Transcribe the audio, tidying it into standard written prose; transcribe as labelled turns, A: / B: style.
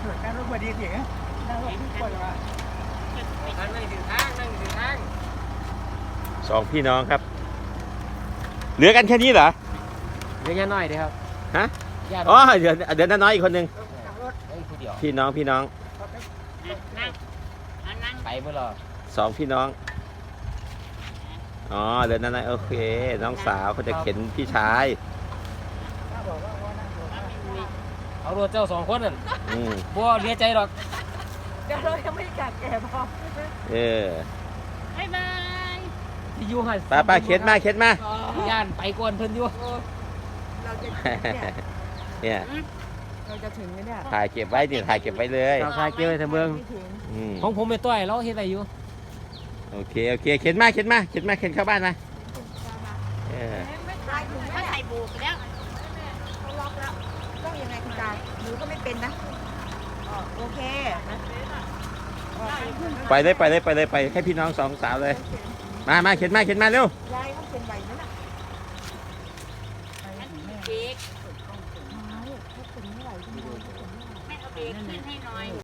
A: นั่งรถพอดีสินั่งรถทุกคนว่ะนั่งถึงทางนั่งถึงทาง
B: สองพี่น้องครับ เหลือกันแค่นี้เหรอ
A: เดี๋ยวน้อยดีครับ
B: ฮะอ๋อเดี๋ยวน้าน้อยอีกคนหนึ่งพี่น้อง
A: นั่งไปเมื่อรอ
B: สองพี่น้องอ๋อเดี๋ยวน้าน้อยโอเคน้องสาวเขาจะเข็นพี่ชาย
A: เอารถเจ้าสองคนนั่นบัวเลี้ยใจหรอกเดี๋ยวเรายังไม่กัดแก่พอบ๊ายบายที่อยู่หัน
B: ป้าเข็นมา
A: ย่านไปก่อนเพิ่นอยู่
C: เราจะ
B: เนี่ย
C: เราจะถึงไหมเนี่ย
B: ถ่ายเก็บไว้ดิถ่ายเก็บไว้เลย
A: เราคายเกี่ยวในเมืองของผมไปต้อยเราเฮ็ดอะไรอยู่
B: โอเคเข็นมาเข็นเข้าบ้านมา
C: ไม่ตายถึงแล้วใส่บูกแล้วเขาล็อกแล้วต้องยังไงคุณตาหนูก็ไม่เป็นนะโอเค
B: ไปเลยให้พี่น้องสองสาวเลยมาเข็นมาเร็วย
C: ายต้องเป็นไหวไหมล่ะเค้กเขาเป็นไม่ไหวจริงๆ